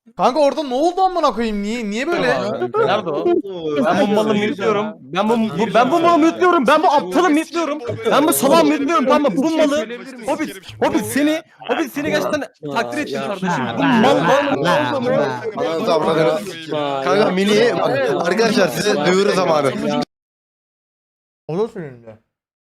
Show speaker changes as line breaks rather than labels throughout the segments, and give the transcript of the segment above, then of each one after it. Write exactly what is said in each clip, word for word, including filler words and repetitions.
Kanka orada ne oldu amına koyayım? Niye niye böyle?
Nerede o? Ben bu malı mütliyorum. Ben bu, bu ben bu malı mütliyorum. Ben bu aptalı mütliyorum. Ben bu salağı mütliyorum. Tamam mı? Bu malı Hobbit Hobbit seni Hobbit seni gerçekten takdir ettim kardeşim. Bu mal mal mal mal.
Kanka mini arkadaşlar size duyuru zamanı.
O da senin de.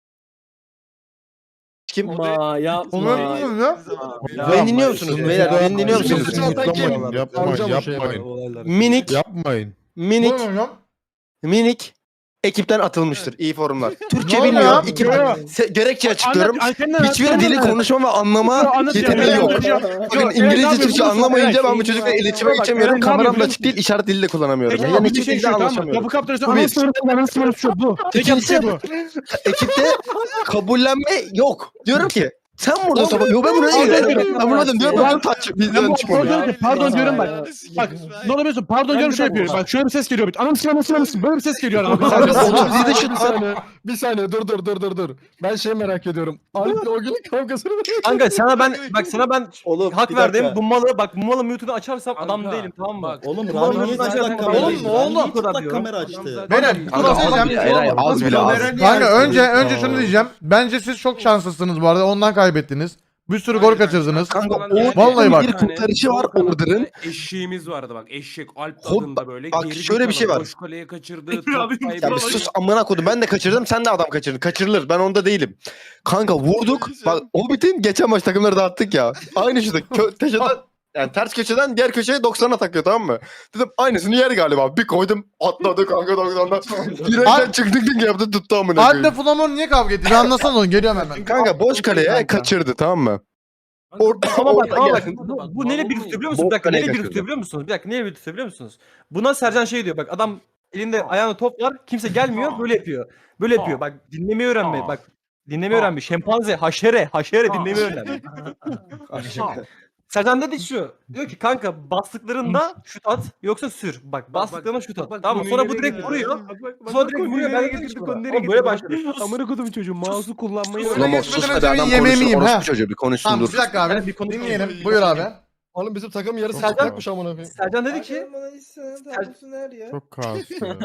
Kim?
Ma yapma.
Onu yapıyorsun ya.
Beni dinliyor musunuz? Beyler beni dinliyor musunuz?
Yapmayın, yapmayın, yapmayın.
Minik,
Yapmayın.
minik,
Ne hocam?
minik ekipten atılmıştır. İyi forumlar. Türkçe
Ne oldu
bilmiyor.
ya?
İki
Ne
Se- gerekçe açıklıyorum.
Anlat, anlat, anlat,
Hiçbir
anlat,
dili
anlat.
konuşma ve anlama
Anlat ya,
yeteneği yok.
anlat ya.
Bakın
Yok,
İngilizce,
evet,
Türkçe
abi,
anlamayınca
evet,
ben bu çocukla
şey-
iletişime
bak,
geçemiyorum.
Eren, ne
Kameram da
yapıyor?
açık değil, işaret dili de kullanamıyorum.
Peki
Yani
abi, bir
iki
şey
dilde
şu tamam mı?
anlaşamıyorum.
Kapı kaptırırsa
Bu bir.
anasını anasını şu bu.
İkincisi
bu.
ekipte kabullenme yok. Diyorum ki sen burada sabah yo ben buraya gidiyorum. Ben burada diyorum ben taç
Ben
bizden
bu
çıkmıyor.
pardon, pardon diyorum bak. Bak ne olabiliyorsun pardon diyorum şöyle yapıyorum. Bak şöyle bir ses geliyor. Anasını anasını anasını böyle bir ses geliyor arada.
Abi otuz yedi
Bir
şut var.
saniye, bir saniye dur dur dur dur dur. Ben şey merak ediyorum. Alp'le o günün kavgasını
Kanka sana ben bak sana ben
Oğlum,
hak
bir
verdim.
dakika.
Bu malı bak bu malı mute'unu açarsam
Kanka,
adam değilim tamam mı?
bak.
Oğlum
Ulan
Rami niye
ben
çıplak
zaten-
kamera
Oğlum,
açtı?
ne oldu?
Rami niye
Bu kadar
çıplak
diyor.
kamera açtı?
Beyler
Kanka
şunu
az
söyleyeceğim.
bile Eray az bile az.
Kanka önce önce şunu diyeceğim. Bence siz çok şanslısınız bu arada. Ondan kaybettiniz. Bir sürü gol kaçırdınız.
Kanka
Vallahi bak.
bir kurtarışı var Order'ın.
Eşeğimiz vardı bak. Eşek Alp
Hop,
tadında böyle.
bak
geri
şöyle bir şey
kalan,
var.
Boş kaleye kaçırdı.
Abi,
top
Ya bir
kaybetti.
sus amına kodum ben de kaçırdım sen de adam kaçırdın. Kaçırılır ben onda değilim. Kanka vurduk. Bak Hobbit'in geçen maç takımları dağıttık ya. Aynı şurada kö- köşeden yani ters köşeden diğer köşeye doksana takıyor tamam mı? Dedim aynısını yer galiba. Bir koydum atladı kanka doksandan. Direkten çıktık dik yaptı tuttu amına
Alp'le
koyayım.
Flamor niye kavga etti? Bir anlasana onu. Geliyorum hemen.
Kanka boş kaleye kaçırdı tamam mı? Orada
Ama bak
orada
ama
gel.
bak bu, bu neyle bir tutuyor biliyor musun?
Bok
Bir dakika
kaleye
neyle bir
kaçırdı.
tutuyor biliyor musunuz? Bir dakika neyle bir tutuyor biliyor musunuz? Buna Sercan şey diyor bak adam elinde ayağında top var kimse gelmiyor böyle yapıyor. Böyle yapıyor bak dinlemeyi öğrenme bak dinlemeyi öğrenme şempanze haşere haşere dinlemeyi öğrenme. Sercan dedi şu diyor ki kanka bastıklarında şut at yoksa sür. Bak bastıklarında şut at tamam mı? Sonra bu direkt vuruyor. Sonra direkt vuruyor ben getirdik onu. Oğlum böyle başladı.
Amına kodum çocuğu mouse'u kullanmayı
Sus.
Ulan sus hadi adam
Yemeğimi
konuşsun.
yiyeyim,
Orospu
ha.
çocuğu bir konuşsun
Tamam
dur.
bir dakika
Yani
abi.
bir konuşalım.
Dinleyelim. Buyur abi.
Oğlum bizim takım yarısı
Sercan-
çıplakmış amına koyayım.
Sercan dedi ki
Çok kaos ya.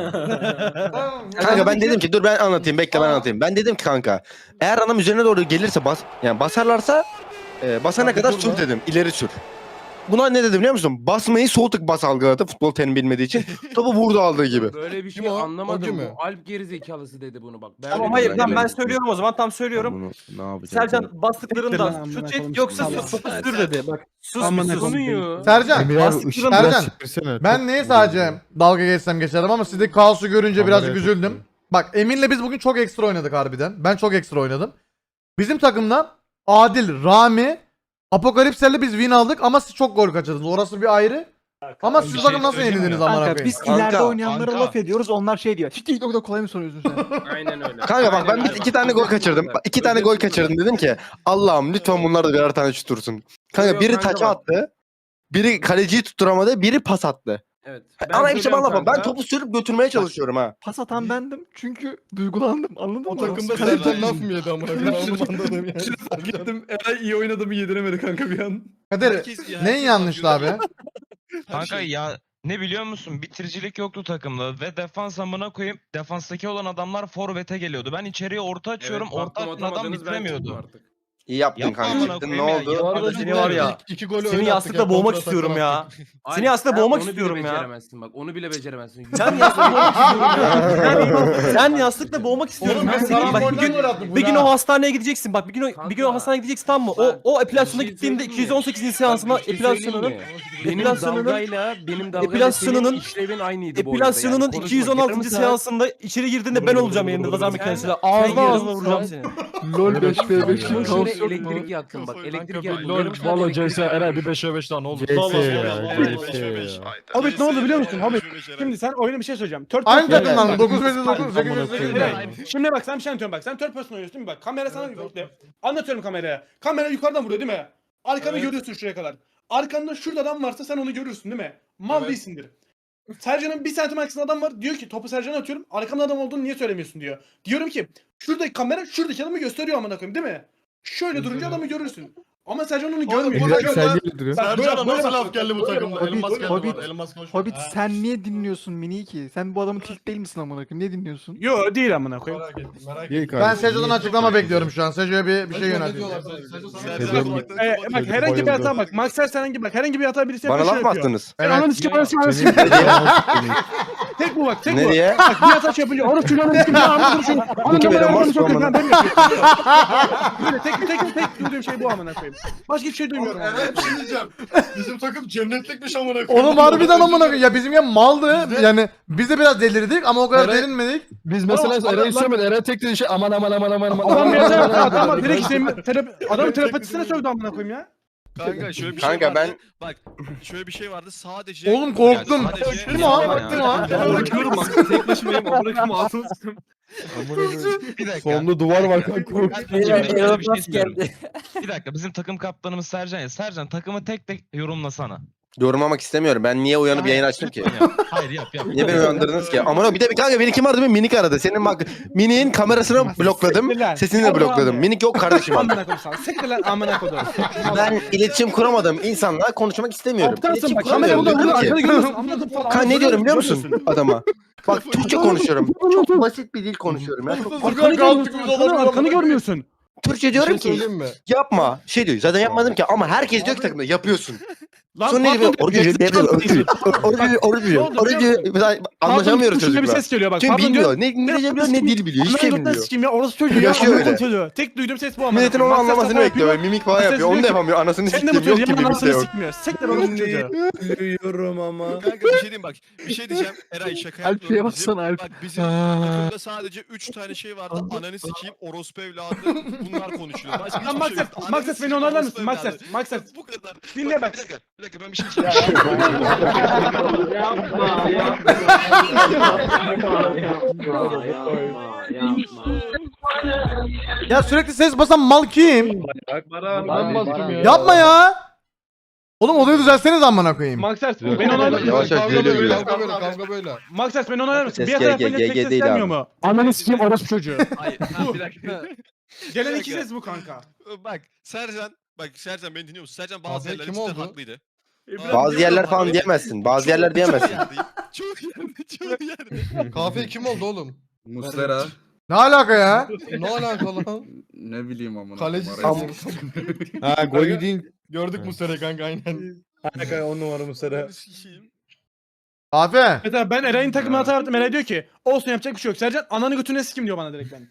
Kanka ben dedim ki dur ben anlatayım bekle ben anlatayım. Ben dedim ki kanka eğer adam üzerine doğru gelirse bas yani basarlarsa e, basana kadar sür dedim ileri sür. Buna ne dedim biliyor musun? Basmayı sol tık bas algıladı futbol terim bilmediği için. Topu vurdu aldığı gibi.
Böyle bir şey
Kim o? O
anlamadım.
kim mi?
Bu Alp gerizekalısı dedi bunu bak. Ben
tamam
öyle
hayır
bir-
lan ben söylüyorum o zaman tam söylüyorum.
Bunu ne yapacağım?
Sercan bastıklarında
Amına
şut
koyayım,
çek yoksa
Allah.
sus topu sür dedi. Bak sus
Amına
bir sus.
Sunuyor.
Sercan.
Emir abi
Bastıklarında-
ışığı biraz
Sercan,
çevirsene.
Ben
Çok
neye
vuruyor.
sadece dalga geçsem geçerim ama sizdeki kaosu görünce birazcık
Kameraya
üzüldüm.
takıyor.
Bak Emin'le biz bugün çok ekstra oynadık harbiden. Ben çok ekstra oynadım. Bizim takımda Adil, Rami, Apokalipser'le biz win aldık ama siz çok gol kaçırdınız. Orası bir ayrı. Ama siz
bir
bakın
şey
nasıl
söyleyeyim
yenildiniz
mi?
amına
Kanka
koyayım.
biz
Kanka,
ileride oynayanlara
kanka.
laf ediyoruz onlar şey diyor. TikTok'ta kolay mı soruyorsun sen?
Aynen öyle.
Kanka bak ben
Aynen
bir
öyle.
iki tane gol kaçırdım. Bak, iki tane gol kaçırdım dedim ki Allah'ım lütfen bunlar da birer tane şut dursun. Kanka
Yok,
biri
kanka
taça
bak.
attı. Biri kaleciyi tutturamadı, biri pas attı.
Evet.
Ama hepsi
söylüyorum
bana bak. Ben
kanka.
topu sürüp götürmeye çalışıyorum ha.
Pas atan bendim çünkü duygulandım anladın
O
mı?
takımda
Kaleci-
Sercan laf mı yedi amına koyayım? Ben onu anladım yani.
Gittim Eray iyi oynadığımı yediremedi kanka bir an.
Kadir neyin yanlıştı abi?
Kanka ya ne biliyor musun? Bitiricilik yoktu takımda ve defans amına koyayım. Defanstaki olan adamlar forvete geliyordu. Ben içeriye orta açıyorum.
Evet,
orta
baktım
açan adam
atamadınız, ben çıktım
bitiremiyordu.
artık.
İyi yaptın
Yapma
kanka.
amına
Çıktın ne
koyayım ya.
oldu?
Bu arada
Seni var ya,
İki, iki golü
Seni
öyle
yastıkla
attık ya,
boğmak
kontra
istiyorum
atak
ya.
attık.
Seni yastıkla
sen
boğmak
onu bile
istiyorum ya.
beceremezsin Bak onu bile beceremezsin.
Sen yastıkla boğmak istiyorum ya. Sen, sen yastıkla boğmak istiyorum.
Oğlum,
Ben
ben
seni
sana
bak bir gün, bir gün o hastaneye gideceksin bak bir gün o, bir gün o
Kanka,
hastaneye gideceksin tamam mı? O
bak,
o epilasyona
bir şey
gittiğinde
söyleyeyim mi?
iki yüz on sekizinci seansına
Bak, bir şey
epilasyonunun
söyleyeyim mi? benim
epilasyonunun-
dalgayla benim dalgayla
epilasyonunun-
senin işlevin aynıydı bu arada.
epilasyonunun
Yani konuşma,
iki yüz on altıncı
yarım saat-
seansında içeri girdiğinde ben olacağım yerinde lazer makinesiyle. Ağzına
yarım
ağzına vuracağım
saat-
seni.
LOL beş v beş
Şöyle
kaos yok mu?
elektrik yaktım bak. Elektrik yaktım.
Lol
Yarım saat
valla
elektrik
C S
yaktım.
Eray bir beş ve beş daha ne oldu?
C S
Valla,
ya,
valla,
C
valla.
S ya.
Hobbit ne oldu biliyor musun? Hobbit. Şimdi sen oyuna bir şey söyleyeceğim. Third
Aynı
person-
takımdan mı?
Bak,
dokuz beş dokuz sekiz
Amına
sekiz
koyayım.
Şimdi bak sen bir şey anlatıyorum bak. Sen third person oynuyorsun değil mi? Bak kamera sana anlatıyorum kameraya. Kamera yukarıdan vuruyor değil mi? Arkanı
Evet.
görüyorsun şuraya kadar. Arkanda şurada adam varsa sen onu görürsün değil mi? Mal
Evet.
değilsindir. Sercan'ın bir santim arkasında adam var. Diyor ki topu Sercan'a atıyorum. Arkamda adam olduğunu niye söylemiyorsun diyor. Diyorum ki şuradaki kamera şuradaki adamı gösteriyor amına koyayım değil mi? Şöyle durunca adamı görürsün. Ama Sercan onu
Oğlum,
görmüyor.
buna
Bak,
göre-
Sergi duruyor.
bak, böyle-
Sercan'a
böyle
nasıl
bak-
laf geldi bu takımda?
Hobbit-
Elmas geldi
Hobbit-
bu arada. Elmas konuşuyor.
Hobbit sen niye dinliyorsun Mini ki? Sen bu adamın tilt değil misin amına koyayım? Niye dinliyorsun?
Yo değil amına koyayım.
Merak ettim merak
Değil
ettim.
Ben Sejo'dan açıklama bekliyorum şu an. Sejo'ya bir, bir şey
Ne
yönelteyim.
diyorlar sana? Sercan sana
Sercan-
ne diyorlar?
Ee, bak herhangi bir hata bak. Maxer herhangi bak herhangi bir hata birisi
Bana
yapıyor,
laf
şey
mı
yapıyor.
attınız?
Ben ananı sikeyim ananı sikeyim ananı sikeyim. Tek bu bak tek bu.
Nereye?
Bak bir hata şey yapınca orası çocuğu ananı sikeyim. Ananı konuşuyorum. Ananı
benim
konuşuyorum.
varsa
Ananı
amına.
ben demiyorum. Böyle tek tek tek duyduğum şey bu amına koyayım. Başka hiçbir şey duymuyorum.
Eren bir şey diyeceğim. Bizim takım cennetlikmiş amına koyayım.
Oğlum harbiden amına koyayım. Ya bizim ya maldı. Yani biz de biraz delirdik ama o kadar
Eren-
derinmedik.
Biz mesela
Oğlum,
Eren'i
adam-
söylemedi. Eren tek dediği şey aman aman aman aman aman.
Adam bir hata yaptı.
aman,
Adam
aman,
direkt
aman.
işte terapi, adamın terapetisine sövdü amına koyayım ya.
Kanka şöyle bir şey
Kanka
vardı.
ben
Bak şöyle bir şey vardı sadece.
Oğlum korktum.
Yani sadece-
Değil mi o? Değil mi o?
Bırakıyorum bak. Tek başımayım. Bırakıyorum altını sıkıyorum.
Bir dakika.
Solunda duvar var kanka.
Ben- ben şöyle bir şey diyorum. Bir dakika bizim takım kaptanımız Sercan ya. Sercan takımı tek tek yorumlasana.
yorumlamak istemiyorum. Ben niye uyanıp yayın açtım ki?
Yap. Hayır yap yap.
Niye beni uyandırdınız ki? Aman bir de bir kanka beni kim aradı? Beni Minik aradı. Senin bak Minik'in kamerasını blokladım.
Siktir lan.
Sesini de
Allah
blokladım.
Allah.
Minik yok kardeşim.
Amına koyayım sana. Siktir lan amına koyayım.
Ben iletişim kuramadığım insanla konuşmak istemiyorum.
Aptalsın
İletişim
bak. Kamera
kuramıyorum.
burada burada
Diyorum ki,
arkada görüyorsun. Anladın falan.
Kan ne diyorum biliyor musun
Görüyorsun.
adama? Bak Türkçe konuşuyorum. Çok basit bir dil konuşuyorum ya. Çok-
Arkanı görmüyorsun. Arkanı, arkanı görmüyorsun.
Türkçe
Bir
diyorum
şey
ki
söyleyeyim mi?
yapma. Şey diyor zaten yapmadım ki ama herkes diyor ki takımda yapıyorsun.
Lan
Sonra ne diyor?
patron
Orucu
diyor,
diyor. Orucu diyor. Orucu
Ne
Orucu
oldu
diyor.
biliyor
Orucu anlaşamıyoruz
Pardon, şöyle bir
çocukla.
ses geliyor bak.
Çünkü
Pardon
bilmiyor.
diyor.
Ne İngilizce biliyor ne dil biliyor. Hiçbir şey
Amına
bilmiyor.
sikeyim ya orası çocuğu ya.
Yaşıyor
Amına
öyle.
çocuğu. Tek duyduğum ses bu ama.
Milletin onu anlamasını bekliyor. Mimik falan
Ses
yapıyor. Onu
diyor
da
ki,
yapamıyor. Anasını
Sen de
sikeyim.
bu
Yok
çocuğu
ki
yaman
mimik de
anasını
yok.
sikmiyor. Siktir orası çocuğu.
Duyuyorum ama.
Kanka bir şey diyeyim bak. Bir şey diyeceğim. Eray şaka
Alp'e
yapmıyorum. Bizim-
baksana Alp.
Bak bizim takımda sadece üç tane şey vardı. Ananı sikeyim, orospu evladı. Bunlar konuşuyor. Başka
Lan
hiçbir şey
Maxes,
yok. Ananı
Maxes beni
sikeyim,
onaylar
orospu
mısın? Maxes,
evladı.
Maxes.
Bu kadar.
Dinle bak.
Bir dakika, bir dakika ben bir şey söyleyeceğim.
Ya sürekli ses basan mal kim?
Ben bastım ya.
Yapma ya. Oğlum olayı düzelseniz amına koyayım.
Maxes beni onaylar mısın?
Yavaş yavaş geliyor
böyle,
geliyor.
kavga böyle, kavga böyle.
Maxes beni onaylar mısın?
Ses
Bir hata
G-
yapınca
G-
tek
G
ses
değil
gelmiyor
abi.
mu?
Ananı sikeyim orospu çocuğu.
Hayır, ha, bir dakika.
Gelen
Bir
iki
dakika.
ses bu kanka.
Bak Sercan, bak Sercan beni dinliyor musun? Sercan bazı
Abi,
yerler
kim
cidden
oldu?
haklıydı.
Bazı yerler falan diyemezsin. Bazı yerler diyemezsin.
Çok yerde, çok yerde.
Kahve kim oldu oğlum?
Muslera.
Ne alaka ya?
Ne alaka lan?
Ne bileyim amına.
Kaleci
Am-
Ha gol yediğin.
Gördük bu sene kanka aynen.
on numara Muslera.
Ananı sikeyim.
Afe.
Mesela ben Eray'ın takımına hata yaptım. Eray diyor ki olsun yapacak bir şey yok. Sercan ananı götüne sikim diyor bana direkt ben.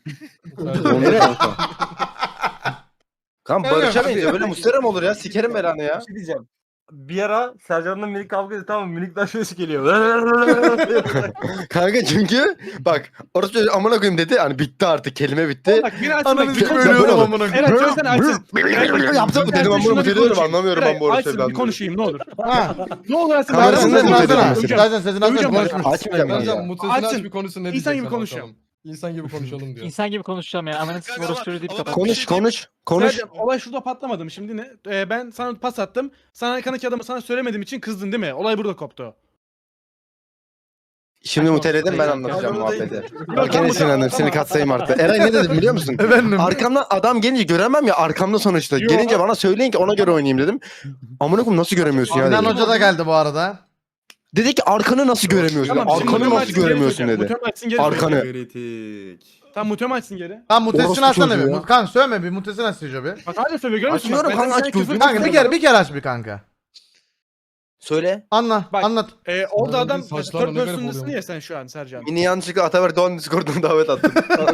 Kan barışamayız ya. Böyle mustera mı olur ya? Sikerim belanı ya.
şey diyeceğim. Bir ara Sercan'la Minik kavga etti tamam mı? Minik'ten şöyle geliyor.
Kanka çünkü bak orası çocuğu amına koyayım dedi. Hani bitti artık. Kelime bitti.
Bak bir açsın
Ananı
bak.
sikeyim
Böyle
ölüyorum
olur.
amına koyayım.
Eray söylesene açsın.
Yaptım dedim ben bunu biliyorum anlamıyorum ben bu orası
Açsın bir
evladını.
konuşayım ne olur.
Ha.
Ne olur açsın.
Kamerasını
Sercan
da
sesini
mute
açsana.
edelim
Sercan sesini açsana.
Duyacağım
Konuşmuş.
Açmayacağım ben
Sercan
ya.
mutesini aç
Açsın.
bir konuşsun ne
İnsan
diyecek
gibi
sana
konuşacağım.
bakalım. İnsan gibi konuşalım diyor.
İnsan gibi konuşacağım ya. Amanın
Kanka
orası
ama-
çocuğu deyip
ama
kapat.
ben-
Konuş konuş. Konuş.
Sercan olay şurada patlamadı mı şimdi ne? Ee, ben sana pas attım. Sana arkandaki adamı sana söylemediğim için kızdın değil mi? Olay burada koptu.
Şimdi muteledim ben anlatacağım muhabbeti.
Yok,
Bak gene
tamam,
sinirlendim. Seni katsayım arttı. Eray ne dedim biliyor musun?
Efendim.
Arkamdan adam gelince göremem ya arkamda sonuçta.
Yok.
Gelince bana söyleyin ki ona göre oynayayım dedim. Amına koyayım nasıl göremiyorsun ya
Sinan
dedim.
Hoca da geldi bu arada.
Dedi ki arkanı nasıl göremiyorsun?
Tamam, şimdi
Arkanı
mutem
nasıl
açsın, geri
göremiyorsun
söyleyeceğim.
dedi.
Mutem açsın, geri
Arkanı.
söyleyeceğim. Tamam mutem açsın geri.
Kan mutesini
Orospu
açsana
çocuğu
bir.
ya.
Mut- Kan söyleme bir mutesini aç Sejo bir.
Bak hala söylüyor görüyor musun?
Açıyorum
Bak,
kanka,
ben
aç
sana küfür
gözünü.
Kanka bir
etmiyorum.
kere bir kere aç bir kanka.
Söyle.
Anla.
Bak.
Anlat.
Ee, orada
Bunların
adam
saçlarla
third
ne garip
person'dasın
oluyor.
ya sen şu an Sercan.
Mini yanlışlıkla Ataber Doğan Discord'dan davet attım.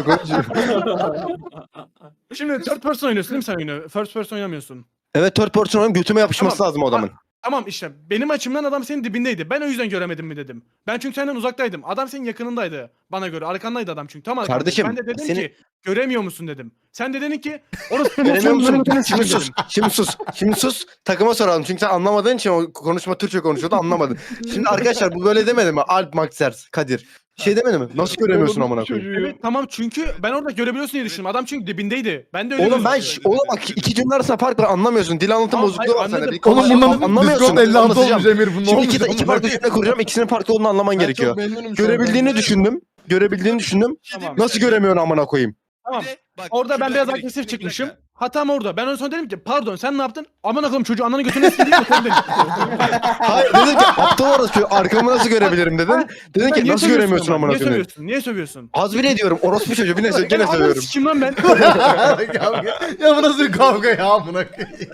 Şimdi third person oynuyorsun değil mi sen oyunu? First person oynamıyorsun.
Evet third person oynayıp götüme yapışması
Tamam.
lazım o adamın.
Tamam işte benim açımdan adam senin dibindeydi. Ben o yüzden göremedim mi dedim. Ben çünkü senden uzaktaydım. Adam senin yakınındaydı. Bana göre arkandaydı adam çünkü. Tam arkandaydı.
Kardeşim,
Ben de dedim
seni-
ki göremiyor musun dedim. Sen de dedin ki orası
Göremiyor musun?
götüne
Şimdi
sikim
sus.
dedim.
Şimdi sus. Şimdi sus. Takıma soralım. Çünkü sen anlamadığın için o konuşma Türkçe konuşuyordu anlamadın. Şimdi arkadaşlar bu böyle demedi mi? Alp Maxers, Kadir. Şey demedi mi? Nasıl göremiyorsun amına koyayım?
Evet tamam çünkü ben orada görebiliyorsun diye düşündüm. Adam çünkü dibindeydi. Ben de öyle
Oğlum ben
gözüküyor.
oğlum bak iki cümle arasında fark var anlamıyorsun. Dil anlatım
Tamam,
bozukluğu var
hayır,
sende.
anladım.
Bir
Oğlum
konuşma-
bundan
anlamıyorsun.
Discord elli altı
Anlatacağım.
olmuş Emir. Bu ne
Şimdi
olmuş?
iki, iki
amına
farklı
koyayım?
cümle kuracağım. İkisinin farklı olduğunu anlaman
Ben
gerekiyor.
çok memnunum şu an.
Görebildiğini düşündüm. Görebildiğini düşündüm.
Tamam.
Nasıl göremiyorsun amına koyayım?
Tamam.
Bir de Bak,
Orada ben
şurada
biraz
minik,
agresif
minik bir
çıkmışım.
dakika.
Hatam orada. Ben en son dedim ki pardon sen ne yaptın? Aman akıllım çocuğu ananı götüne sikeyim mi? Sen dedin.
Hayır dedin ki aptal orası arkamı nasıl görebilirim dedin. Dedin ki
Niye
nasıl
sövüyorsun
göremiyorsun
ama?
amına
Niye
koyayım.
sövüyorsun? Niye sövüyorsun?
Az bile diyorum orospu çocuğu bir ne gene
Ananı
söylüyorum.
sikeyim lan ben.
Kavga. Ya bu nasıl bir kavga ya amına koyayım.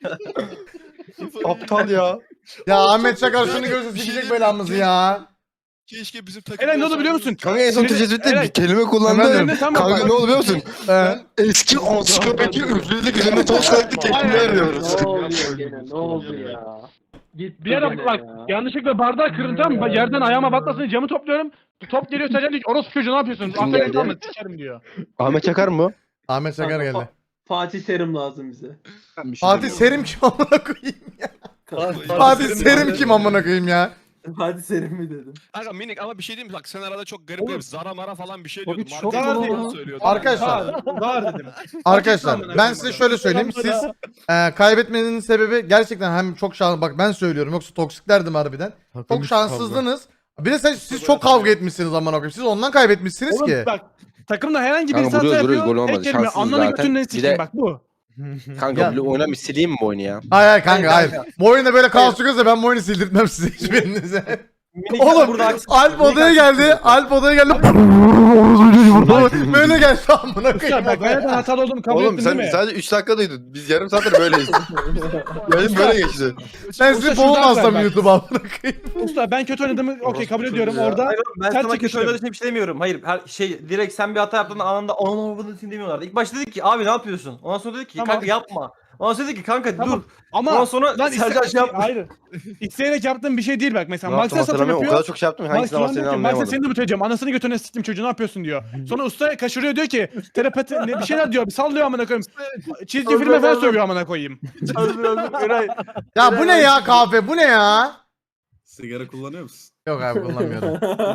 Aptal ya.
Ya Ahmet Çakar şunu görse sikecek belamızı ya.
Keşke bizim takım.
Eray ne oldu biliyor musun?
Kanka en son
Sinirli-
tecrübede
Eray,
bir kelime kullandı.
Efendim?
Tamam,
Kanka
bak.
ne oldu biliyor musun?
He.
Eski ansiklopedi üfledik üzerine toz kalktı kelimeler diyoruz.
Ne oluyor gene? Ne oldu ya? Gitti
Bir ara
gene
bak
ya.
yanlışlıkla bardağı kırın tamam mı? Bak, yerden ayağıma batmasın diye camı topluyorum. Top geliyor Sercan diyor ki orospu çocuğu ne yapıyorsun?
Kim
Affedin
geldi?
tamam mı? Sikerim diyor.
Ahmet Çakar mı?
Ahmet Çakar geldi.
Fatih Terim lazım bize.
Fatih Serim kim amına koyayım ya?
Fatih
Fatih
Serim
Serim
vardı.
kim amına koyayım ya?
Fatih Terim mi dedim?
Kanka minik ama bir şey diyeyim mi? Bak sen arada çok garip garip zara mara falan bir şey
Abi
diyordun.
çok
Marka
iyi.
falan söylüyordun.
Arkadaşlar.
Var, var dedim.
Arkadaşlar ben size şöyle söyleyeyim. Siz e, kaybetmenin sebebi gerçekten hem çok şans bak ben söylüyorum yoksa toksiklerdim harbiden. Çok şanssızdınız. Bir de sen, siz çok kavga etmişsiniz amına koyayım. Siz ondan kaybetmişsiniz
Oğlum
ki.
bak takımda herhangi
Kanka
birisi hata
vuruyoruz, vuruyoruz,
yapıyor.
gol olmadı.
Tek kelime
Şanssız
ananı
zaten.
götünden
Bir
sikeyim
de-
bak bu.
Kanka
Ya.
bu oyuna bir sileyim mi bu oyunu ya?
Hayır hayır kanka hayır.
Hayır,
Bu oyunda böyle kaos çıkıyorsa ben bu oyunu sildirtmem size hiçbirinize.
Minik
Oğlum
burada haksız-
Alp
minik
odaya
haksız-
geldi. Alp odaya geldi. Böyle geldi amına
Ya
koyayım.
bak ben neden hatalı olduğumu kabul
Oğlum
ettin
sen
değil mi?
sadece üç dakika duydun. Biz yarım saattir böyleyiz. Yayın böyle geçti.
Ben
Usta
sizi
şuradan
boğulmazsam
ver bak.
YouTube'a amına koyayım.
Usta ben kötü oynadığımı okey kabul ediyorum
çocuğu ya.
orada.
Hayır oğlum, ben
Sen
sana kötü
çekiştin.
oynadığın için bir şey demiyorum. Hayır her şey direkt sen bir hata yaptığında anında onun bunu için demiyorlardı. İlk başta dedik ki abi ne yapıyorsun? Ondan sonra dedik ki
Tamam.
kanka yapma. Ondan sonra dedik ki kanka
Tamam.
dur.
Ama
Ondan sonra
lan
Sercan
iste-
şey yapma.
Hayır. İsteyerek yaptığım bir şey değil bak mesela.
Ne yaptım
Max'e satım
hatırlamıyorum. O
yapıyor.
kadar çok şey yaptım ki
Max
hangisine
şu an
bahsettiğini
diyor ki Max'e
anlayamadım.
seni de büteceğim. Anasını götüne siktim çocuğu ne yapıyorsun diyor. Sonra usta kaçırıyor diyor ki telepati ne bir şeyler diyor. Bir sallıyor amına koyayım. Çizgi filme falan sövüyor amına koyayım.
Özür dilerim, Eray.
Ya bu ne ya kahve bu ne ya?
Sigara kullanıyor musun?
Yok abi kullanmıyorum.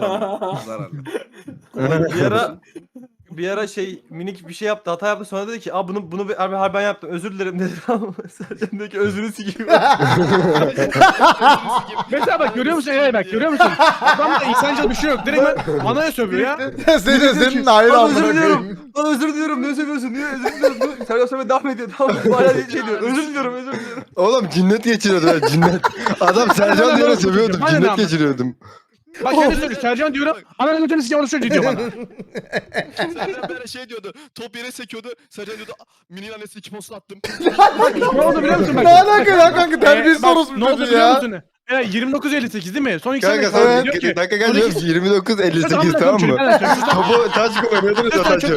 Zararlı.
bir ara bir ara şey minik bir şey yaptı hata yaptı sonra dedi ki aa bunu bunu bir- abi abi ben yaptım özür dilerim dedi. Sercan dedi ki özrünü sikeyim.
Mesela bak görüyor musun Eray bak görüyor musun? Adamda insanca bir şey yok. Direkt ben anaya sövüyor ya.
Senin de senin de ayrı
Lan
amına
özür diliyorum.
koyayım.
Lan özür diliyorum. Ne seviyorsun? Niye özür diliyorum? Dur. Sercan sonra devam ediyor. Tamam. Hala şey diyor. Özür diliyorum. Özür diliyorum.
Oğlum cinnet geçiriyordum ben cinnet. Adam Sercan diye seviyordum.
Aynen
Cinnet
abi.
geçiriyordum.
Bak şöyle söylüyor. Sercan diyorum. Ananı götünü sikeyim onu söylüyor diyor bana.
Sercan böyle şey diyordu. Top yere sekiyordu. Sercan diyordu. "Aa, Mini'nin annesine iki posta attım.
Ne oldu biliyor musun bak?
Ne alaka lan kanka terbiyesiz
Ee, bak,
orospu
Ne oldu
çocuğu
biliyor
ya.
musun? Eray yirmi dokuz elli sekiz değil mi? Son iki
Kanka
sene
sen
diyor ki.
dakika gel diyorum ki yirmi dokuz elli sekiz tamam mı? Topu taç koyuyordunuz ya taçı.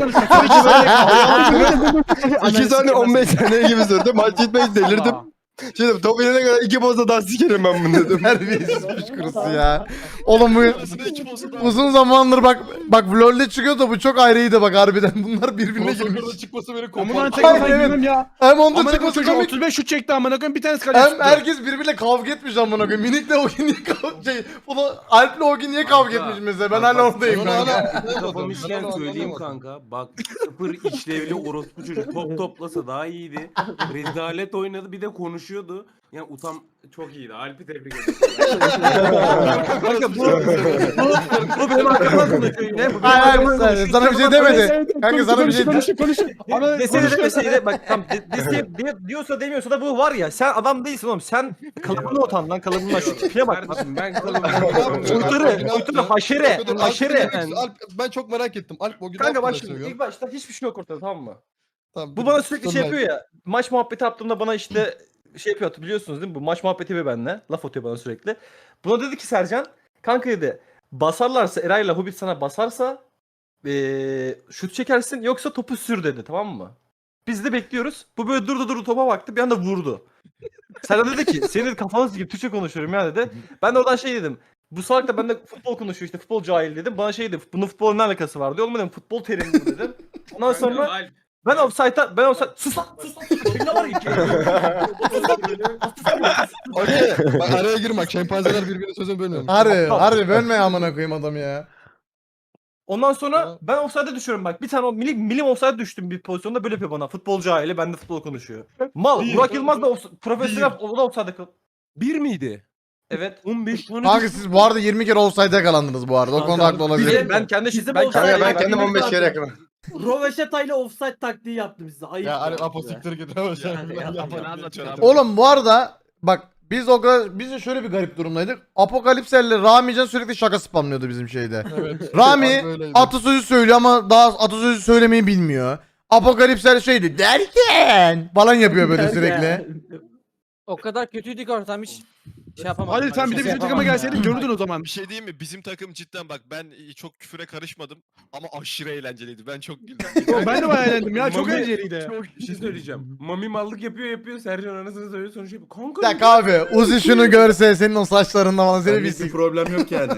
iki saniye on beş saniye gibi sürdü. Maç gitmek delirdim. Şimdi top yerine kadar iki posta daha sikerim ben bunu dedim.
Terbiyesiz piç kurusu ya. Oğlum bu
Annesine iki posta daha.
uzun zamandır bak bak LoL'de çıkıyor da bu çok ayrıydı bak harbiden. Bunlar birbirine girmiş.
Crossover'da çıkması beni
Aman
kopar.
tek
Hayır,
ben
evet.
bilmem ya.
Hem onda
Amına koyayım
çıkması
çocuğu
komik.
otuz beş şut çekti amına koyayım bir tanesi kaleci
Hem
tuttu.
herkes birbiriyle kavga etmiş amına koyayım. Minik'le o gün niye kavga şey, bunu Alp'le o gün niye kavga etmiş mesela? Ben hala oradayım
Ben
kanka.
hala-
Kafamı işleyen
Ben
söyleyeyim
anlamadım.
kanka. Bak sıfır işlevli orospu çocuk top toplasa daha iyiydi. Rezalet oynadı bir de konuşuyordu. Yani utan çok iyiydi. Alp'i tebrik ederim.
Kanka bu bu benim arkamdan konuşuyor. Ne bu?
Hayır hayır
Benim arkamdan
sen- sana bir şey demedi. Kanka sana bir şey
Konuşun konuşun. Ana
Desene demeseydi bak tam de, dese, de, diyorsa demiyorsa da bu var ya sen adam değilsin oğlum sen kalıbına utan lan kalıbına şu tipine bak.
Kardeşim ben kalıbım.
Uytarı uytarı haşere
Dur, Alp,
haşere.
Alp, ben çok merak ettim. Alp o gün
Kanka bak
Alp'i de
şimdi
seviyor.
ilk başta hiçbir şey yok ortada tamam mı?
Tamam,
Bu
dur,
bana sürekli şey
sonra-
yapıyor ya. Maç muhabbeti yaptığımda bana işte şey yapıyor biliyorsunuz değil mi? Bu maç muhabbeti ve benle. Laf atıyor bana sürekli. Buna dedi ki Sercan. Kanka dedi. Basarlarsa Eray'la Hobbit sana basarsa ee, şut çekersin yoksa topu sür dedi tamam mı? Biz de bekliyoruz. Bu böyle durdu durdu topa baktı bir anda vurdu. Sercan dedi ki senin kafanı sikeyim Türkçe konuşuyorum ya dedi. Ben de oradan şey dedim. Bu salak da bende futbol konuşuyor işte futbol cahil dedim. Bana şey dedi bunun futbolla ne alakası var diyor. Oğlum dedim futbol terimi bu dedim. Ondan sonra
Alp,
ben offside'a ben offside sus lan sus lan sus lan. Ne var iki?
Okey. Bak araya girme. Şempanzeler birbirine sözünü bölmüyor.
Harbi harbi bölme amına koyayım adamı ya.
Ondan sonra ben offside'a düşüyorum bak. Bir tane o milim, milim offside düştüm bir pozisyonda böyle yapıyor bana. Futbolcu aile bende futbol konuşuyor. Mal. Burak Yılmaz da offs- profesyonel o da offside'da kal.
bir miydi?
Evet.
on beş on
Kanka siz bu arada yirmi kere offside'e yakalandınız bu arada. O konuda haklı
Bir
olabilir.
de ben kendi
Bizim
ben
offside-
Kanka
kendi
ben
Ben
kendim
bir
on beş kere
tane-
yakınım.
Roveşatayla offside taktiği yaptım size. Ayıp.
Ya hani aposiktir git.
Oğlum bu arada bak biz o kadar biz de şöyle bir garip durumdaydık. Apokalipser'le Ramican sürekli şaka spamlıyordu bizim şeyde. Rami atasözü söylüyor ama daha atasözü söylemeyi bilmiyor. Apokalipser şeydi derken falan yapıyor böyle sürekli.
O kadar kötüydük ortam hiç şey yapamadım.
Hadi sen bir de bizim takıma gelseydin görürdün o zaman.
Bir şey diyeyim mi? Bizim takım cidden bak ben çok küfüre karışmadım ama aşırı eğlenceliydi. Ben çok güldüm.
Ben de bayağı eğlendim ya çok
Mami-
eğlenceliydi.
Bir şey söyleyeceğim. Mami mallık yapıyor yapıyor. Sercan anasını söylüyor sonra şey yapıyor. Kanka.
Bir dakika abi Uzi şunu görse senin o saçlarında falan seni bir
Benlik bir
sik.
problem yok yani.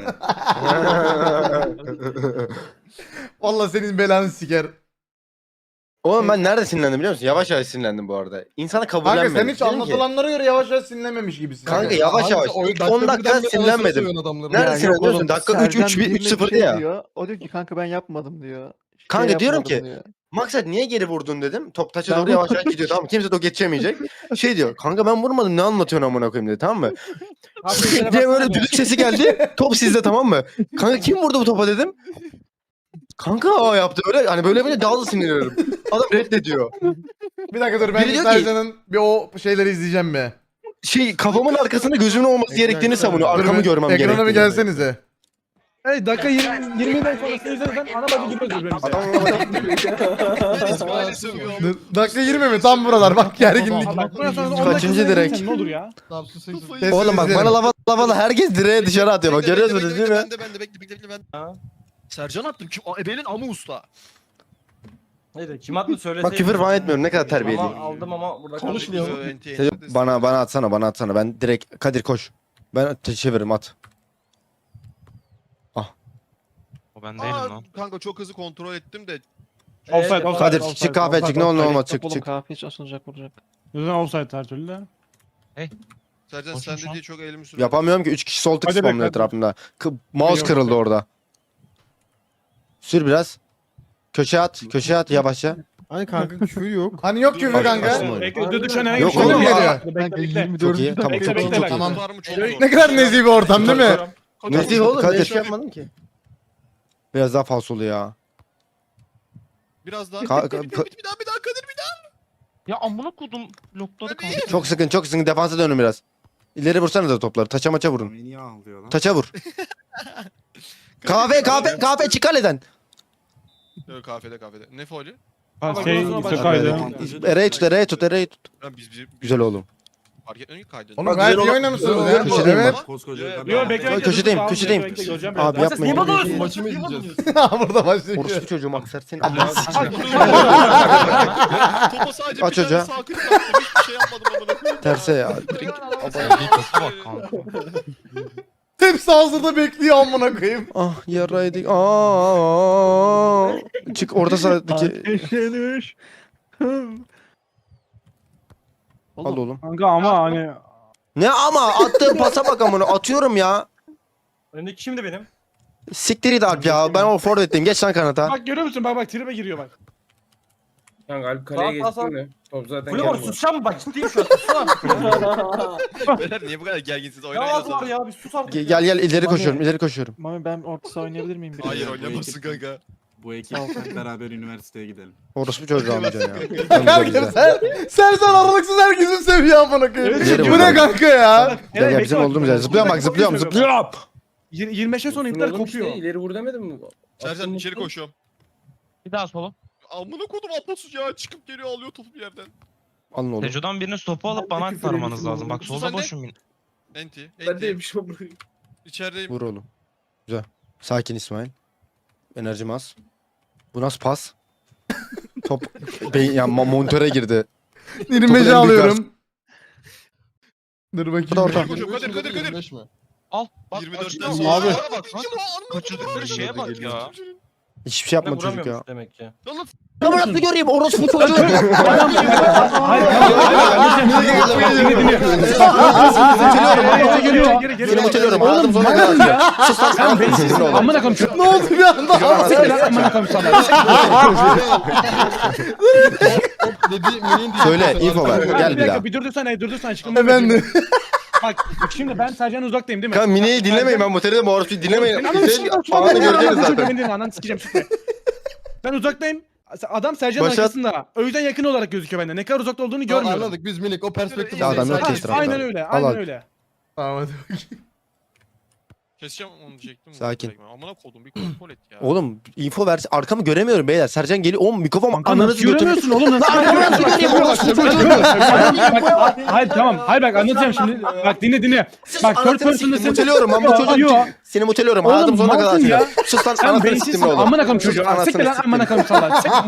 Valla senin belanı siker.
Oğlum ben nerede sinirlendim biliyor musun? Yavaş yavaş sinirlendim bu arada. İnsana
Kanka
kabullenmedim.
sen hiç
Dedim ki,
anlatılanlara göre yavaş yavaş sinirlenmemiş gibisin.
Kanka yavaş yavaş. İlk on dakika sinirlenmedim. Nerede sinirlendim biliyor musun? Dakika üç üç üç sıfırdı ya.
O diyor ki kanka ben yapmadım diyor.
Kanka diyorum ki maksat niye geri vurdun dedim. Top taça doğru yavaş yavaş gidiyor tamam mı? Kimse de o geçemeyecek. Şey diyor kanka ben vurmadım ne anlatıyorsun amına koyayım dedi tamam mı? diye böyle düdük sesi geldi. Top sizde tamam mı? Kanka kim vurdu bu topa dedim. Kanka o yaptı böyle hani böyle böyle daha da sinirleniyorum. Adam reddediyor.
Bir dakika dur ben
Biri diyor ki-
Sercan'ın bir o şeyleri izleyeceğim be.
Şey kafamın arkasında gözümün olması gerektiğini savunuyor.
Dur
Arkamı
bir-
görmem gerektiğini.
Ekrana bir gelsenize.
Hey dakika yirmi yirmiden sonrasını izlersen ana bacı gülüyoruz birbirimize.
İsmail'i sövüyor.
Dur, Dakika yirmi mi? Tam buralar bak gerginlik.
Bak bundan sonra on
Kaçıncı
dakika
direkt?
izlersen Ne olur ya?
Sessiz
Oğlum bak
izleyelim.
bana lava lava herkes direğe dışarı atıyor bak görüyorsunuz değil mi?
Ben de ben de bekle bekle bekle ben. Sercan attım. Kim? Aa, Ebe'nin amı usta.
Neydi kim attı söyleseydi.
Bak küfür falan etmiyorum ne kadar terbiyeliyim.
Ama aldım ama burada
Konuşmuyor.
kaldı.
Sen- Bana bana atsana bana atsana ben direkt Kadir koş. Ben te- çeviririm at.
O ben değilim
Aa,
lan.
kanka çok hızlı kontrol ettim de.
Offside, offside,
Kadir
offside,
çık kahve
offside,
çık ne olur ne
offside.
olmaz çık çık.
Kahve hiç asılacak vuracak.
Yüzden offside her türlü de.
Sercan
Koşun
sen
şu
de
an.
diye çok elimi sürdüm.
Yapamıyorum ki üç kişi sol tık
Hadi
spamlıyor
bekle.
etrafımda. K- mouse
Yok,
kırıldı
yok.
orada. Sür biraz. Köşeye at köşeye at yavaşça.
Hani kanka küfür yok.
Hani yok küfür kanka.
Başlama.
Bekle dur düşen
Yok
Şöyle mi
oğlum.
geliyor?
Bekle bekle.
yirmi
Çok iyi
dördüncü
tamam
Bekle,
çok iyi
bekle,
çok
bekle.
iyi.
Tamam.
Var mı çok zor.
Ne kadar nezih bir ortam değil mi?
Ne diyor oğlum?
Kadir.
Bir şey yapmadım ki. Biraz daha falsolu ya.
Biraz daha.
Ka-
bir,
ka-
bir, bir, bir daha bir daha Kadir bir daha.
Ya amına kodum lokladı kanka.
Çok sıkın çok sıkın defansa dönün biraz. İleri vursana da topları. Taça maça vurun.
Niye ağlıyor lan?
Taça vur. kahve kahve kahve çık kaleden.
Yok kafede kafede. Ne faulü?
Ha
Bak,
şey
bak,
işte
bak,
kaydı.
Ereğe tut ereğe tut ereğe tut.
Lan biz bizim
Güzel oğlum.
fark etmiyor ki kaydını.
Oğlum
Bak,
gayet
güzel
iyi
olan-
oynamışsınız
güzel
ya.
olan- Köşedeyim
Evet.
bak.
Koskoca
Yo,
kadar.
Yo bekle bekle.
Köşedeyim,
dur, dur,
köşedeyim.
bekle, göreceğim
Abi
biraz.
yapmayın.
Niye bana
Maçı
alıyorsun?
mı
Niye bana
izleyeceğiz?
alıyorsun?
Burada başlıyor.
Orospu çocuğum aksar seni.
Topa sadece
Aç
bir
hoca.
tane sağ klik attım. Hiçbir şey yapmadım amına koyayım.
Terse ya.
Dikası bak kanka.
Hepsi hazırda bekliyor amına koyayım.
Ah yaraydık. Aa. Çık orada sağdaki. Al oğlum.
Kanka ama hani
Ne ama attığım pasa bak amına atıyorum ya.
Öndeki şimdi benim.
Siktir it Alp ya. Ben o forvetteyim. Geç lan kanata.
bak görüyor musun bak bak tribe giriyor bak.
Kanka Alp kaleye
Sağ, sağ,
geçti mi? Top zaten
Kulüp var
gelmedi.
susacağım mı bak ciddiyim şu an susana.
Beyler niye bu kadar gerginsiniz?
Ne
Oynayın o
ağzı var
zaman.
ya bir sus artık.
Gel gel gel, ileri koşuyorum. ileri koşuyorum.
Mami ben orta saha oynayabilir miyim? biraz?
Hayır
Bu
oynamazsın
ekip-
kanka.
Bu ekip beraber üniversiteye gidelim.
Orospu çocuğu amca ya.
Kanka sen, Sercan aralıksız herkesi seviyor amına koyayım.
Evet,
Bu ne kanka ya?
Gel gel bizim olduğumuz yer. Zıplıyorum bak zıplıyorum zıplıyorum.
Yir- yirmi beşe sonra ipler
Oğlum
kopuyor.
işte, ileri vur demedim mi?
Sercan
Attım
içeri
vurdum.
koşuyorum.
Bir daha sola.
Amına kodum Aposus ya çıkıp geliyor alıyor topu bir yerden.
Alın oğlum.
Teco'dan biriniz topu alıp bana aktarmanız lazım. Bak solda boşum.
Enti.
Ben de
Enti.
yemişim bunu.
İçerideyim.
Vur oğlum. Güzel. Sakin İsmail. Enerjim az. Bu nasıl pas? Top beyin ya ma- montöre girdi.
yirmi
Topun en
beşe
büyük
alıyorum. Dur
Bu da
bakayım.
orta.
Koşuyorum Kadir Kadir Kadir.
Al. Bak,
yirmi dörtten
bak,
sonra.
Abi.
Bak, bak, bak.
Kaçırdıkları şeye bak ya.
Hiçbir şey yapmadı çocuk ya.
Vuramıyormuş demek ki.
Ya bırak da göreyim orospu çocuğu.
Geri geri geri geri.
Seni muteliyorum. Anladım sonra kadar. Sus lan sen beni sinirli oğlum.
Amına koyayım.
Ne oldu bir anda?
Amına koyayım sana.
Söyle info ver. Gel bir daha.
Bir durdursana durdursana çıkın.
Efendim.
Bak şimdi ben Sercan'ın uzaktayım değil mi?
Kanka Mine'yi dinlemeyin ben motelde bu orospuyu dinlemeyin.
Ananı
Senin
sikeyim.
anını göreceğiz
Ananı
zaten.
sikeyim. Ananı sikeceğim süper. Ben uzaktayım. Adam Sercan'ın
Başat-
arkasında. O yüzden yakın olarak gözüküyor bende. Ne kadar uzakta olduğunu
Tamam,
görmüyorum.
anladık biz minik o perspektif.
Ya adam yok
Aynen,
ki etrafta.
aynen öyle.
Al,
Aynen
al.
öyle.
Tamam hadi bakayım.
Keseceğim onu diyecektim.
Sakin.
Amına kodum bir kontrol et ya.
Oğlum info ver. Arkamı göremiyorum beyler. Sercan geliyor. Oğlum mikrofon
Kanka
ananızı
nasıl
götürüyor.
göremiyorsun oğlum? Nasıl göremiyorsun? Hayır tamam. Hayır bak anlatacağım şimdi. Bak dinle dinle. Bak third
Anasını siktim.
person'dasın.
Muteliyorum ben bu
Yo,
çocuğu.
yo.
Seni muteliyorum.
Oğlum,
Hayatım sonuna kadar
mantın ya.
açacağım. Sus lan
Sen
anasını
beyinsizsin.
siktim ne olur.
Amına koyayım çocuğu.
Anasını
Siktir lan
siktim.
amına koyayım salak. Sik.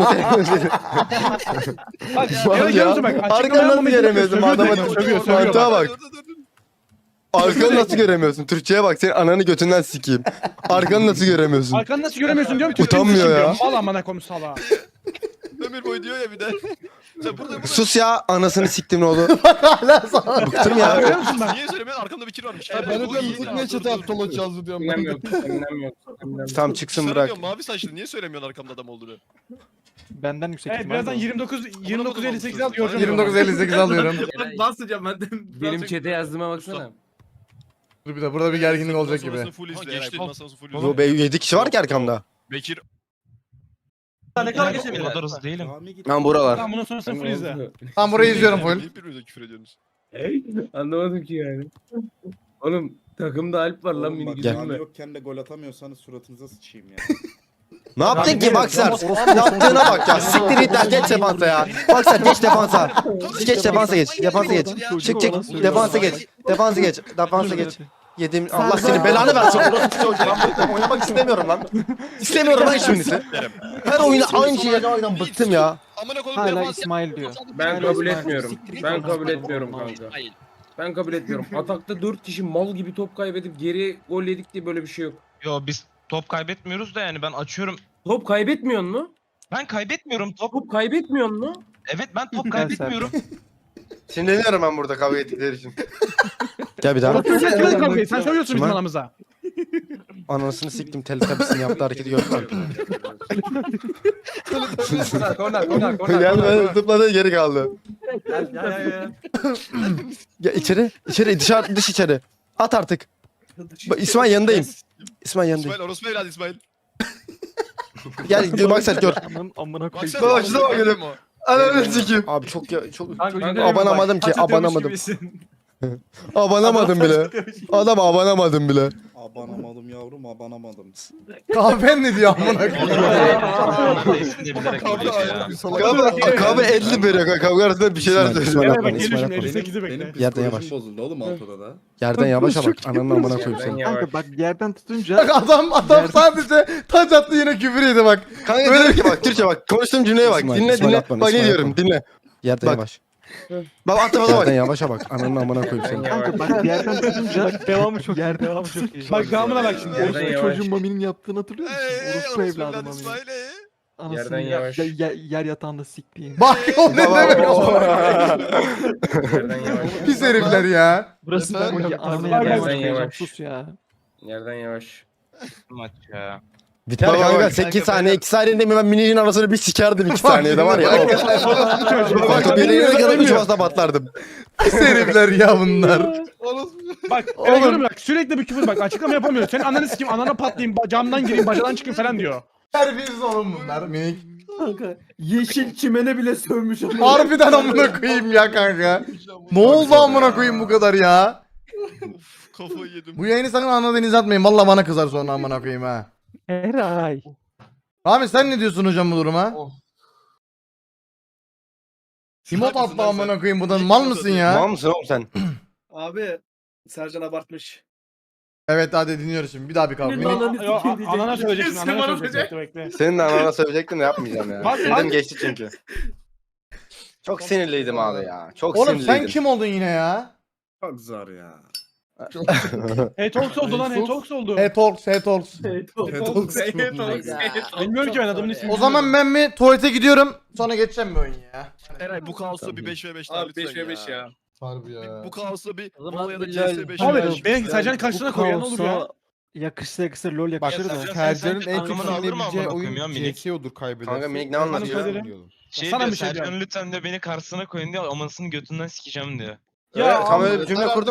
Bak
Var
ya.
ya.
Görüyor musun bak?
Arkanı
Açıklama
nasıl
yapmamayı
göremiyorsun?
sövüyor,
Adama
sövüyor, sövüyor, sövüyor.
mantığa bak. Arkanı nasıl göremiyorsun? Türkçe'ye bak. Senin ananı götünden sikeyim. Arkanı nasıl göremiyorsun?
Arkanı nasıl göremiyorsun diyorum.
Utanmıyor ya.
Mal amına koyayım salağa.
Ömür boyu diyor ya bir de. Sen burada burada.
Sus ya anasını siktim ne oldu?
Hala sana.
Bıktım ya.
Görüyor musun bak?
Niye söylemiyorsun? Arkamda bir kir varmış.
Ya ben de diyorum biz niye çete at tolo yazdı diyorum. Ben de.
Tam çıksın
Sana
bırak.
diyorum, mavi saçlı niye söylemiyorsun arkamda adam olduğunu?
Benden yüksek
Evet birazdan yirmi dokuz yirmi dokuz elli sekiz al göreceğim.
yirmi dokuz elli sekiz alıyorum.
Basacağım ben de. Benim chat'e yazdığıma baksana.
Dur bir de burada bir gerginlik olacak gibi.
Sonrası full izle. Geçti. Sonrası full izle.
Bu be yedi kişi var ki arkamda.
Bekir.
Ne kadar geçebilir? O kadar hızlı değilim.
Ben buralar.
Tamam bundan sonrasını full izle.
Tam burayı izliyorum full.
Niye birbirinize küfür ediyorsunuz?
Anlamadım ki yani. Oğlum takımda Alp var lan mini
Gel.
güzel.
yokken de gol atamıyorsanız suratınıza sıçayım ya.
Ne yaptın ki Baksar? Yaptığına bak ya. Siktir git lan geç defansa ya. Baksar geç defansa. Geç defansa geç. Defansa geç. Çık çık. Defansa geç. Defansa geç. Defansa geç. Yedim. Allah senin belanı versin. Orası çocuğu. Ben oynamak istemiyorum lan. İstemiyorum lan hiçbirinizi. Her oyunu aynı şeyi oynadan bıktım ya.
Amına kodum
Hala
defans.
İsmail diyor.
Ben kabul etmiyorum. Ben kabul etmiyorum kanka. Ben kabul etmiyorum. Atakta dört kişi mal gibi top kaybedip geri gol yedik diye böyle bir şey yok.
Yo biz top kaybetmiyoruz da yani ben açıyorum.
Top kaybetmiyorsun mu?
Ben kaybetmiyorum top.
Top kaybetmiyorsun mu?
Evet ben top kaybetmiyorum.
Sinirleniyorum ben burada kavga ettikleri için. Gel bir daha.
Sen kimin kavgayı? Sen söylüyorsun bizim
Kim?
aramıza.
Anasını siktim Teletubbies'in yaptığı hareketi gördün mü?
Korner korner korner.
Gelme zıpladı geri kaldı.
Ya ya ya.
Ya içeri, içeri, dışarı, dış içeri. At artık. Bak, İsmail yanındayım. İsmail yanındayım.
İsmail orospu evladı İsmail.
Gel gör bak sen gör.
Amına koyayım.
Baksana.
Bak şuna bak dedim. Ananı sikeyim. Abi çok ya çok abanamadım ki abanamadım. Abanamadım bile. Adam abanamadım bile.
Abanamadım yavrum abanamadım.
Kahven ne diyor amına koyayım.
İsmini de bilerek söylüyor ya.
Kahve, kahve elli veriyor. Kavga arasında bir şeyler söylüyor.
Evet
İsmail
bak
atma,
geliyor
İsmail
şimdi
atma.
elli sekizi bekle.
Benim
Yerden yavaş.
psikolojim bozuldu oğlum altıda da.
Yerden yavaşa bak. Ananın amına koyayım
Yerden
seni.
yavaş.
Kanka bak yerden tutunca
Bak adam adam sadece taç attı yine küfür yedi bak.
Kanka diyorum ki bak Türkçe bak. Konuştuğum cümleye bak. İsmail, Dinle İsmail dinle. atma, Bak ne İsmail diyorum atma. dinle. Yerden Bak. yavaş. Bak atma bak.
Yerden
yavaşa bak. Ananın amına koyayım seni.
kanka bak yerden tutunca devamı çok yer devamı çok iyi.
Bak devamına bak şimdi.
Yerden
Orospu
yavaş.
çocuğun Mami'nin yaptığını hatırlıyor musun?
Eee
Orospu
orospu
evladı
evladı
Mami.
İsmail eee.
Anasını
Yerden
yer,
yavaş.
yer, yer yatağında siktiğin.
Bak o ne demek.
Yerden yavaş.
Pis herifler ya.
Burası ben
Yerden
ki ananı
yavaş.
yerden
Yerden
yavaş.
yavaş.
Sus ya.
Yerden yavaş.
Maç ya.
Biter kanka sekiz saniye iki saniyede mi ben mininin arasını bir sikerdim iki saniyede var ya. Bak birbirine kadar üç basla patlardım.
Pis herifler ya bunlar.
Bak oğlum bak sürekli bir küfür bak açıklama yapamıyor. Senin ananı sikeyim anana patlayayım ba- camdan gireyim bacadan çıkayım falan diyor.
Terbiyesiz oğlum bunlar minik.
Kanka yeşil çimene bile sövmüş ama.
Harbiden amına koyayım ya kanka. Ne oldu amına koyayım bu kadar ya?
Uf, kafayı yedim.
Bu yayını sakın ana denize atmayın. Valla bana kızar sonra amına koyayım ha.
Eray.
Rami sen ne diyorsun hocam bu duruma? Timot
Salak mısın
attı
lan sen?
amına koyayım buradan. Mal mısın
Mal
ya?
mısın oğlum sen?
Abi Sercan abartmış.
Evet hadi dinliyoruz şimdi. Bir daha bir kavga. Minik.
Yo, a- anana söyleyeceksin anana söyleyeceksin bekle bekle.
Senin de anana söyleyecektim de yapmayacağım ya.
Bak,
Dedim
bak.
geçti çünkü. Çok sinirliydim abi ya. Çok
Oğlum
sinirliydim.
sen kim oldun yine ya?
Çok zor ya.
Hey Talks oldu lan Hey Talks oldu.
Hey Talks, Hey Talks.
Bilmiyorum ki ben adamın ismini.
O zaman ben bir tuvalete gidiyorum. Sonra geçeceğim bir oyun ya.
Eray bu kaosta bir beş ve beş daha
Abi
lütfen
beş ve beş ya.
Harbi ya.
Bu kaosta bir
O zaman
Mola ya da
bir
C S beş
Abi
ve beş.
beni Sercan'ın karşısına koy ya ne olur ya.
Yakışsa yakışsa lol yakışır da.
Sercan'ın en çok sinirleneceği oyun ya minik.
odur kaybeder.
Kanka minik ne
Hanım
anlatıyor?
kaderi.
Şey
Sana
diyor
bir şey
Sercan
diyorum.
lütfen de beni karşısına koyun diyor amasını götünden sikeceğim diyor.
Ya
Ya
tam
abi,
öyle bir cümle kurdu mu?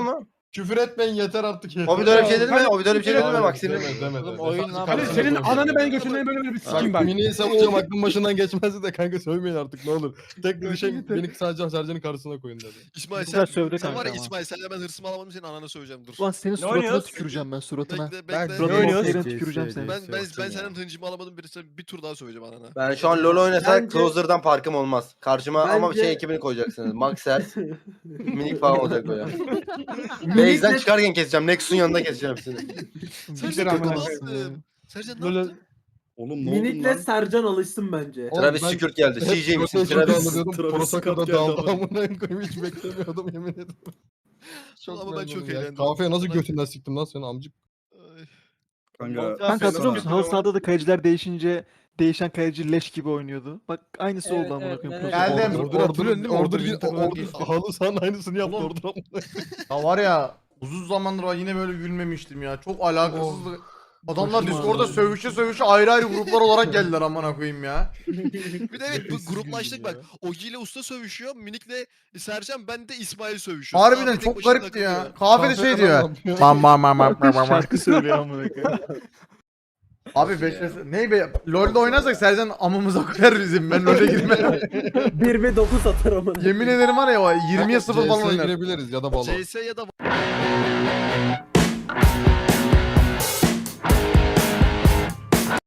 Küfür etmeyin yeter artık yeter.
O bir de öyle bir şey dedi mi? O bir de öyle bir şey dedi mi? Bak senin.
Demedi, demedi.
oyun lan.
Ali senin ananı ben götünden böyle böyle bir sikeyim ben.
Mini'yi savunacağım aklım başından geçmezdi de kanka sövmeyin artık ne olur. Tek bir şey beni sadece Sercan'ın karşısına koyun dedi.
İsmail
Güzel
sen,
sövdü
sen
kanka
var ya
ama.
İsmail senle ben hırsımı alamadım senin ananı söyleyeceğim dur.
Ulan senin suratına
oynuyoruz?
tüküreceğim ben suratına.
Bekle
Ben-
bekle.
Ne
Ne oynuyoruz?
Yerine tüküreceğim seni.
Ben ben ben senin hıncımı alamadım birisi bir tur daha söyleyeceğim anana.
Ben şu an LoL oynasak
Bence-
Closer'dan farkım olmaz. Karşıma ama
Bence-
şey ekibini koyacaksınız. Maxers, Minik falan olacak böyle. Base'den çıkarken keseceğim. Nexus'un yanında keseceğim hepsini.
Sercan ne yaptın? Sercan ne yaptın?
Oğlum
Minik'le Sercan alışsın bence.
Oğlum
Travis
ben-
Şükürt geldi. C J misin? Travis.
Travis. Prosaka'da daldı amına koyayım hiç beklemiyordum yemin ederim.
Ama ben
memnunum
çok
ya.
eğlendim.
Kafaya nasıl götünden siktim lan seni amcık.
Ay.
Kanka.
Kanka hatırlıyor musun? Halı sahada da kaleciler değişince değişen kaleci leş gibi oynuyordu. Bak aynısı
Evet,
oldu amına
evet,
koyayım.
evet.
Geldim.
Ordur
Hatırlıyorsun
ordur
değil mi?
ordur
Ordur
ordur
Winter'dan
ordur
geçti.
halı sahanın aynısını yaptı
Oğlum.
ordur amına.
Ya var ya uzun zamandır var yine böyle gülmemiştim ya. Çok alakasızdı. Adamlar
Başım
Discord'da
ağrıyor.
sövüşe sövüşe ayrı ayrı gruplar olarak geldiler amına koyayım ya.
Bir de evet bu gruplaştık bak. Ogi ile Usta sövüşüyor. Minik'le Sercan ben de İsmail sövüşüyor.
Harbiden
Abi tek
çok
başına
garipti ya.
takılıyor.
Kahvede şey diyor. Bam bam bam bam bam bam.
Şarkı söylüyor amına koyayım.
Abi beş ne be LoL'de oynarsak Sercan amımıza koyar bizim. Ben LoL'e girmem.
bir ve dokuz atar ama.
Yemin ederim var ya o yirmiye sıfır falan
C S'ye
oynar.
girebiliriz ya da balo.
C S ya da